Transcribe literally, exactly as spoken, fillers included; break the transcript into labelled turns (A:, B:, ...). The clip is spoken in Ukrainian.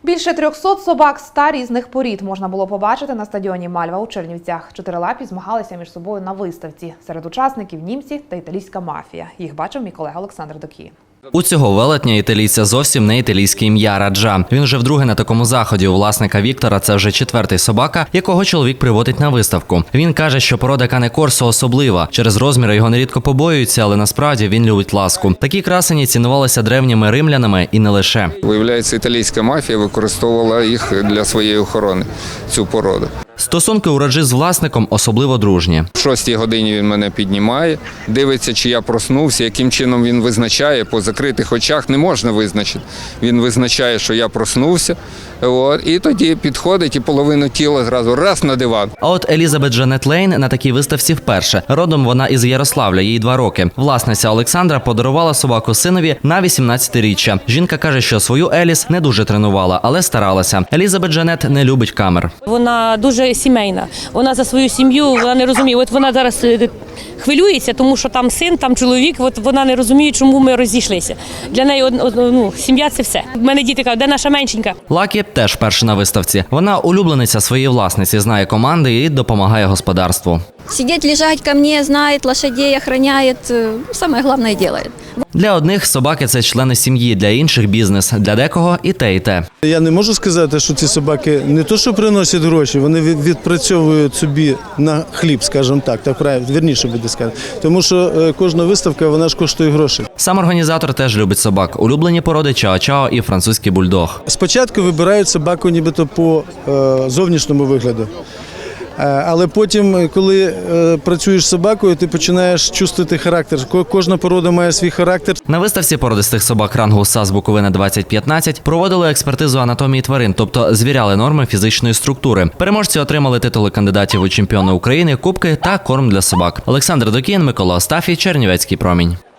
A: Більше трьохсот собак ста різних порід можна було побачити на стадіоні «Мальва» у Чернівцях. Чотирилапі змагалися між собою на виставці. Серед учасників німці та італійська мафія. Їх бачив мій колега Олександр Докі.
B: У цього велетня італійця зовсім не італійське ім'я Раджа. Він вже вдруге на такому заході. У власника Віктора це вже четвертий собака, якого чоловік приводить на виставку. Він каже, що порода Кане Корсо особлива. Через розміри його нерідко побоюються, але насправді він любить ласку. Такі красені цінувалися древніми римлянами і не лише.
C: Виявляється, італійська мафія використовувала їх для своєї охорони, цю породу.
B: Стосунки у Раджі з власником особливо дружні.
C: В шостій годині він мене піднімає, дивиться, чи я проснувся, яким чином він визначає, по закритих очах не можна визначити. Він визначає, що я проснувся, от, і тоді підходить і половину тіла зразу раз на диван.
B: А от Елізабет Джанет Лейн на такій виставці вперше. Родом вона із Ярославля, їй два роки. Власниця Олександра подарувала собаку синові на вісімнадцятиріччя. Жінка каже, що свою Еліс не дуже тренувала, але старалася. Елізабет Джанет не любить камер.
D: Вона дуже сімейна. Вона за свою сім'ю, вона не розуміє. От вона зараз хвилюється, тому що там син, там чоловік, от вона не розуміє, чому ми розійшлися. Для неї ну, сім'я – це все. У мене діти кажуть, де наша меншенька?
B: Лакі теж перша на виставці. Вона улюблениця своєї власниці, знає команди і допомагає господарству.
E: Сидеть, лежать ко мне, знает лошадей, охраняет, самое главное делает.
B: Для одних собаки – це члени сім'ї, для інших – бізнес, для декого – і те, і те.
F: Я не можу сказати, що ці собаки не то, що приносять гроші, вони відпрацьовують собі на хліб, скажімо так, так правильно, вірніше буде сказати. Тому що кожна виставка, вона ж коштує грошей.
B: Сам організатор теж любить собак. Улюблені породи чао-чао і французький бульдог.
F: Спочатку вибирають собаку нібито по е, зовнішньому вигляду. Але потім, коли е, працюєш з собакою, ти починаєш чувствувати характер. Кожна порода має свій характер.
B: На виставці породистих собак рангу САС Буковина двадцять п'ятнадцять проводили експертизу анатомії тварин, тобто звіряли норми фізичної структури. Переможці отримали титули кандидатів у чемпіони України, кубки та корм для собак. Олександр Докін, Микола Остафій, Чернівецький промінь.